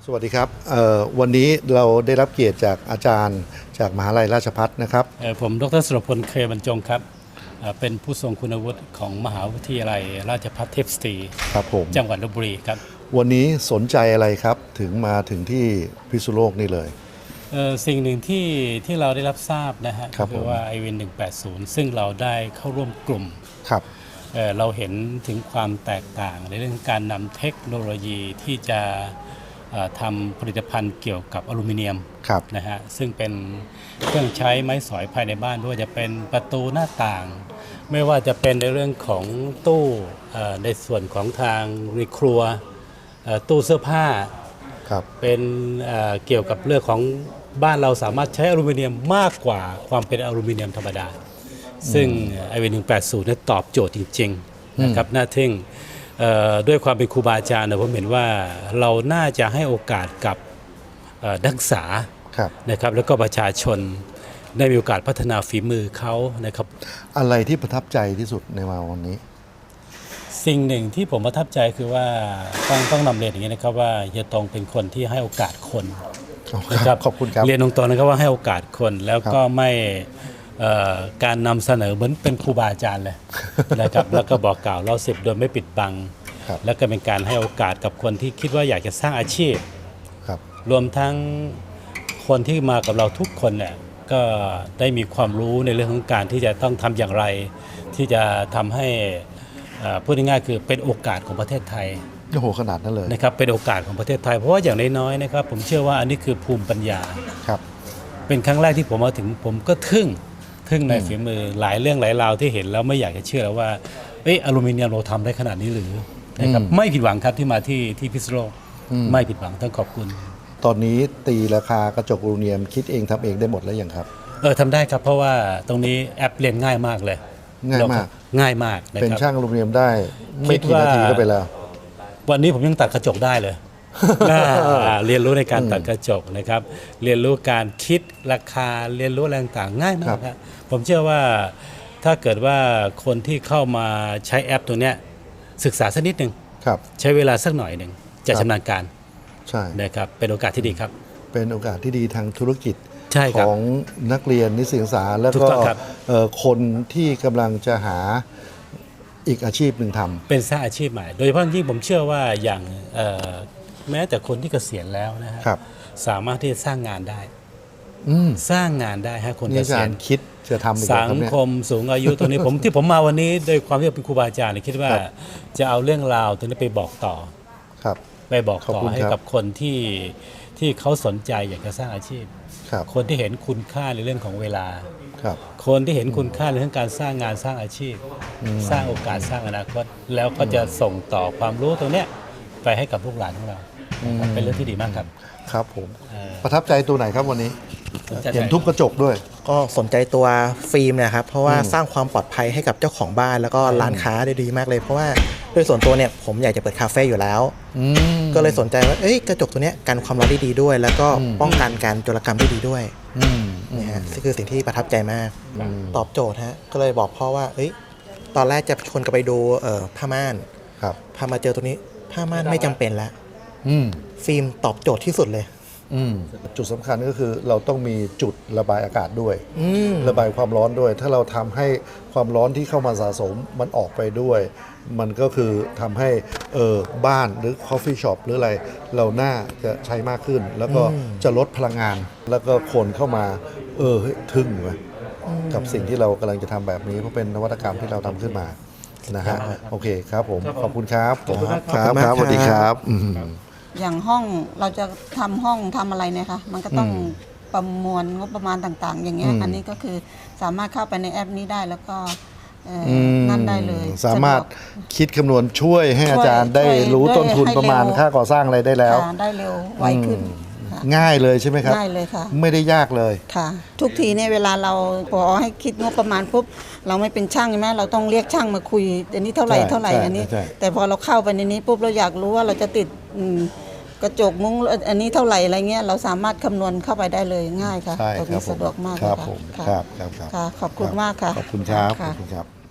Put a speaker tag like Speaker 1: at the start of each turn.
Speaker 1: สวัสดีครับวันนี้เราได้รับเกียรติจากอาจารย์จากมหาลัยราชภัฏนะครับ
Speaker 2: ผมดร.สุรพล เคบรรจงครับเป็นผู้ทรงคุณวุฒิของมหาวิทยาลัยราชภัฏเทพสตรี
Speaker 1: ครับผม
Speaker 2: จังหวัดลพบุรีครับ
Speaker 1: วันนี้สนใจอะไรครับถึงมาถึงที่พิษณุโลกนี่เลย
Speaker 2: สิ่งหนึ่งที่เราได้รับทราบนะฮะคือว่า IWIN 180 ซึ่งเราได้เข้าร่วมกลุ่ม
Speaker 1: ครับ
Speaker 2: เราเห็นถึงความแตกต่างในเรื่องการนำเทคโนโลยีที่จะทำผลิตภัณฑ์เกี่ยวกับอลูมิเนียมนะฮะซึ่งเป็นเครื่องใช้ไม้สอยภายในบ้านด้วยจะเป็นประตูหน้าต่าง ไม่ว่าจะเป็นในเรื่องของตู้ในส่วนของทางในครัวตู้เสื้อผ้าเป็นเกี่ยวกับเรื่องของบ้านเราสามารถใช้อลูมิเนียมมากกว่าความเป็นอลูมิเนียมธรรมดาซึ่ง IWIN 180นั้นตอบโจทย์จริงๆนะครับน่าทึ่งด้วยความเป็นครูบาอาจารย์ผมเห็นว่าเราน่าจะให้โอกาสกับนักศึกษานะครับแล้วก็ประชาชนได้มีโอกาสพัฒนาฝีมือเขานะครับ
Speaker 1: อะไรที่ประทับใจที่สุดในวันนี้
Speaker 2: สิ่งหนึ่งที่ผมประทับใจคือว่าต้องนำเรียนอย่างนี้นะครับว่าเฮียตงเป็นคนที่ให้โอกาสคน
Speaker 1: นะครับขอบคุณครับ
Speaker 2: เรียนตรงๆนะครับว่าให้โอกาสคนแล้วก็ไม่การนำเสนอเหมือนเป็นครูบาอาจารย์เลยนะครับแล้วก็บอกกล่าวเรา10โดยไม่ปิดบังแล้วก็เป็นการให้โอกาสกับคนที่คิดว่าอยากจะสร้างอาชีพรวมทั้งคนที่มากับเราทุกคนเนี่ยก็ได้มีความรู้ในเรื่องของการที่จะต้องทำอย่างไรที่จะทำให้พูดง่ายๆคือเป็นโอกาสของประเทศไทย
Speaker 1: โอ้โหขนาดนั้นเลย
Speaker 2: นะครับเป็นโอกาสของประเทศไทยเพราะว่าอย่างน้อยๆนะครับผมเชื่อว่าอันนี้คือภูมิปัญญาเป็นครั้งแรกที่ผมมาถึงผมก็ทึ่งในฝีมือหลายเรื่องหลายราวที่เห็นแล้วไม่อยากจะเชื่อแล้วว่าอลูมิเนียมเราทำได้ขนาดนี้หรือนะครับไม่ผิดหวังครับที่มาที่พิษณุโลกไม่ผิดหวังต้องขอบคุณ
Speaker 1: ตอนนี้ตีราคากระจกอลูมิเนียมคิดเองทำเองได้หมดแล้วยังครับ
Speaker 2: ทำได้ครับเพราะว่าตรงนี้แอปเรียนง่ายมากเลย
Speaker 1: ง่ายมาก
Speaker 2: เป็น
Speaker 1: ช่างอลูมิเนียมได้ไม่กี่นาทีก็ไปแล้ว
Speaker 2: วันนี้ผมยังตัดกระจกได้เลยเรียนรู้ในการตัดกระจกนะครับเรียนรู้การคิดราคาเรียนรู้อะไรต่างๆง่ายมากครับผมเชื่อว่าถ้าเกิดว่าคนที่เข้ามาใช้แอปตัวเนี้ยศึกษาสักนิดหนึ่งใช้เวลาสักหน่อยหนึ่งจะชำนาญการ
Speaker 1: ใช่
Speaker 2: นะครับเป็นโอกาสที่ดีครับ
Speaker 1: เป็นโอกาสที่ดีทางธุรกิจของนักเรียนนิสิตศึกษาแล้วก็คนที่กำลังจะหาอีกอาชีพหนึ่งทำ
Speaker 2: เป็นสร้างอาชีพใหม่โดยเฉพาะยิ่งผมเชื่อว่าอย่างแม้แต่คนที่เกษียณแล้วนะครับสามารถที่จะสร้างงานได้สร้างงานได้ฮะคนเกษียณ
Speaker 1: คิดจะทำ
Speaker 2: สังคมสูงอายุตรงนี้ที่ผมมาวันนี้โดยความที่เป็นครูบาอาจารย์คิดว่าจะเอาเรื่องราวตรงนี้ไปบอกต่อไปบอกต่อให้กับคนที่เขาสนใจอยากจะสร้างอาชีพคนที่เห็นคุณค่าในเรื่องของเวลาคนที่เห็นคุณค่าในเรื่องการสร้างงานสร้างอาชีพสร้างโอกาสสร้างอนาคตแล้วก็จะส่งต่อความรู้ตรงนี้ไปให้กับลูกหลานของเราเป็นเรื่องที่ดีมากครับ
Speaker 1: ครับผมประทับใจตัวไหนครับวันนี้เห็นทุบกระจกด้วย
Speaker 3: ก็สนใจตัวฟิล์มนะครับเพราะว่าสร้างความปลอดภัยให้กับเจ้าของบ้านแล้วก็ร้านค้าได้ดีมากเลยเพราะว่าโดยส่วนตัวเนี่ยผมอยากจะเปิดคาเฟ่อยู่แล้วก็เลยสนใจว่ากระจกตัวเนี้ยกันความร้อนได้ดีด้วยแล้วก็ป้องกันการโจรกรรมได้ดีด้วยนี่ฮะนี่คือสิ่งที่ประทับใจมากตอบโจทย์ฮะก็เลยบอกพ่อว่าตอนแรกจะชวนกันไปดูผ้าม่านพามาเจอตัวนี้ผ้าม่านไม่จำเป็นแล้วฟิล์มตอบโจทย์ที่สุดเลย
Speaker 1: จุดสำคัญก็คือเราต้องมีจุดระบายอากาศด้วยระบายความร้อนด้วยถ้าเราทำให้ความร้อนที่เข้ามาสะสมมันออกไปด้วยมันก็คือทำให้บ้านหรือคอฟฟี่ช็อปหรืออะไรเราน่าจะใช้มากขึ้นแล้วก็จะลดพลังงานแล้วก็คนเข้ามาทึ่งไหมกับสิ่งที่เรากำลังจะทำแบบนี้เพราะเป็นนวัตกรรมที่เราทำขึ้นมานะฮะโอเคครับผมขอบคุณครับครับสวัสดีครับ
Speaker 4: อย่างห้องเราจะทำห้องทำอะไรเนี่ยค่ะมันก็ต้องประมวลงบประมาณต่างๆอย่างเงี้ยอันนี้ก็คือสามารถเข้าไปในแอปนี้ได้แล้วก็นั่นได้เลย
Speaker 1: สามารถคิดคำนวณช่วยให้อาจารย์ได้รู้ต้นทุนประมาณค่าก่อสร้างอะไรได้แล้ว
Speaker 4: ได้เร็วไวขึ้น
Speaker 1: ง่ายเลยใช่ไหมครับ
Speaker 4: ง่ายเลยค่ะ
Speaker 1: ไม่ได้ยากเลย
Speaker 4: ค่ะทุกทีเนี่ยเวลาเราพอให้คิดงบประมาณปุ๊บเราไม่เป็นช่างใช่ไหมเราต้องเรียกช่างมาคุยอันนี้เท่าไหร่อันนี้แต่พอเราเข้าไปในนี้ปุ๊บเราอยากรู้ว่าเราจะติดกระจกมุ้งอันนี้เท่าไหร่อะไรเงี้ยเราสามารถคำนวณเข้าไปได้เลยง่ายค่ะตรงนี้สะดวกมาก
Speaker 1: ครับผมครับ
Speaker 4: ขอบคุณมากค่ะ
Speaker 1: ขอบคุณครับ